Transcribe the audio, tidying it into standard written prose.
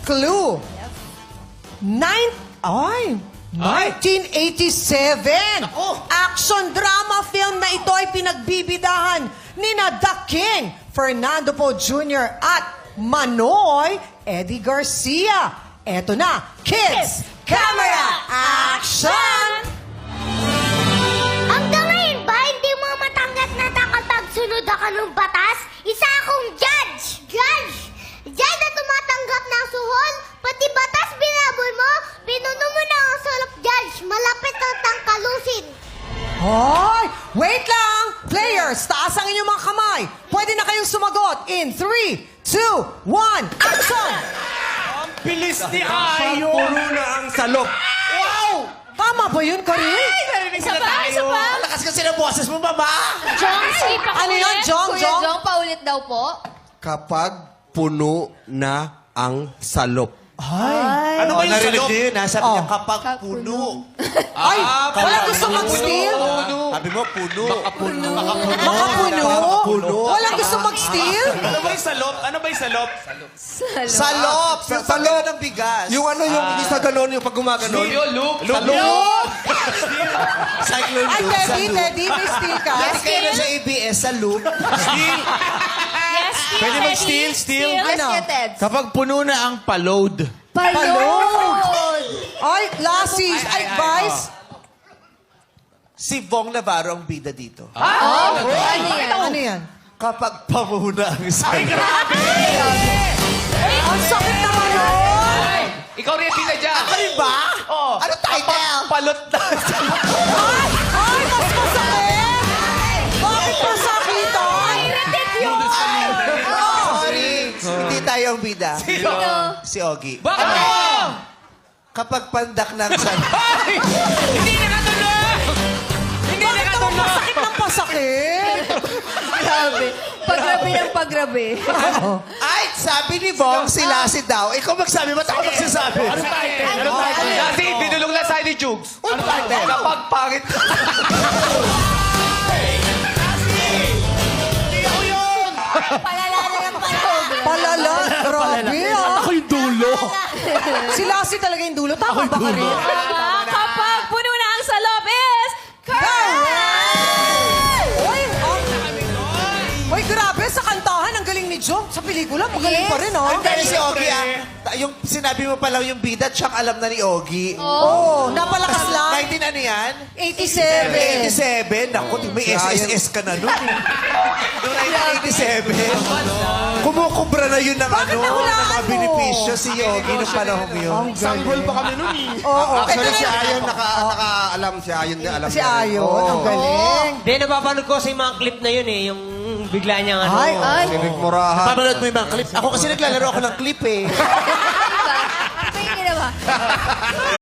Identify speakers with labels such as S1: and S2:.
S1: clue. 1987. Action drama film na ito ay pinagbibidahan ni The King, Fernando Poe Jr. at Manoy Eddie Garcia. Eto na, Kids, Camera, Action!
S2: Hanggang ngayon ba, hindi mo matanggap na kapag sunod ako ng batas? Isa akong judge! Judge! Judge na tumatanggap ng suhol, pati batas binaboy mo, pinuno mo na ang salop judge, malapit ang tangkalusin.
S1: Hoy! Wait lang! Players, taas ang inyong mga kamay. Pwede na kayong sumagot in 3, 2, 1, action!
S3: Bilis ni Ayo! Puro na ang salop. Wow!
S1: Tama ba yun, Karin?
S4: Isa pa, isa pa.
S3: Lakas kasi ng boses mo, mama!
S4: Jong, sige pa
S1: Ano yun, Jong?
S4: Kuya
S1: Jong?
S4: Jong, paulit daw po.
S3: Kapag puno na ang salop.
S1: Ay!
S3: Ano ba yung
S5: Narinig
S3: salop?
S5: niyo yun, ha? Sabi
S1: Oh.
S5: niya, kapag puno.
S1: Ay! Wala gusto mag-steal?
S5: Sabi mo, puno.
S3: Puno.
S1: Makapuno?
S5: Puno.
S1: Wala gusto mag-steal?
S3: Ano ba yung salop? Ano ba yung salop?
S5: Salop! Yung salop ng bigas. Yung ano, yung isa ganon, yung pag gumaganon.
S3: Loop.
S5: Cyclone
S1: Ay,
S5: loop.
S1: Teddy, may steal ka?
S5: Hindi kayo na sa ABS, sa loop.
S4: Yes, Steel.
S3: Pwede mag-steal?
S4: Steel.
S1: Ano?
S4: Yes, Ted.
S3: Kapag puno na ang pa-load.
S1: Palod! Ay, lassies! Ay, guys!
S5: Si Vong Navarro ang bida dito.
S4: Ano yan?
S1: Ano yan?
S5: Kapag pamuna ang salop.
S1: Ang sakit naman yun!
S3: Ikaw rin yung dyan.
S5: Ako rin ba?
S3: Oh.
S5: Ano title?
S3: Palot na.
S1: Ay! Ay, mas masakit! Bakit masakitan?
S5: Sorry. Hindi tayo ang bida.
S4: Sino?
S5: Si Ogie.
S3: Bakit mo?
S5: Kapag pandak ng salop.
S3: Hindi nakatuloy! Hindi
S1: Bakit naman
S3: nakatuloy!
S1: masakit ng pasakit?
S4: Grabe. Pagrabe ng pagrabe.
S5: Ay, sabi ni Vong, si Lassie daw. Ikaw magsabi, ba't ako magsasabi?
S3: Ano title? Ano title? Kasi binulong na sa'yo ni Jugs.
S5: Ano title?
S3: Kapag pangit.
S4: Palala na yung palala.
S1: Palala, grabe ah.
S3: Ako yung dulo.
S1: Si Lassie talaga yung dulo. Tama ba ka rin?
S4: Kapag puno na ang salop is... Correct!
S1: Uy, grabe, sa kantahan, ang galing ni Jong. Sa pelikula, magaling
S4: Yes.
S1: pa rin, oh.
S5: Ang galing si Ogie, yung sinabi mo pa lang yung bida, tsang alam na ni Ogie.
S1: Oo, napalakas lang.
S5: 19 ano yan?
S1: 87.
S5: 87? Naku, may SSS ka na nun. Noong 1987, kumukubra na yun ng
S1: Bakit
S5: ano, ng
S1: nahulaan
S5: mga
S1: mo?
S5: benepisyo si Ogie noong panahon yun.
S3: Sanggol pa kami nun eh.
S1: Oo,
S6: Actually,
S1: ito
S6: si
S1: na-
S6: Ayon nakaalam. Si Ayon din alam
S1: Si Ayon, ang galing.
S7: Hindi, napapanood ko sa yung mga clip na yun eh. Yung bigla niyang ano.
S1: Ay,
S4: Ay,
S6: Si Vic Morahan.
S5: Papanood mo yung mga clip. Ako kasi naglalaro ako ng clip eh.
S4: Pwede na ba?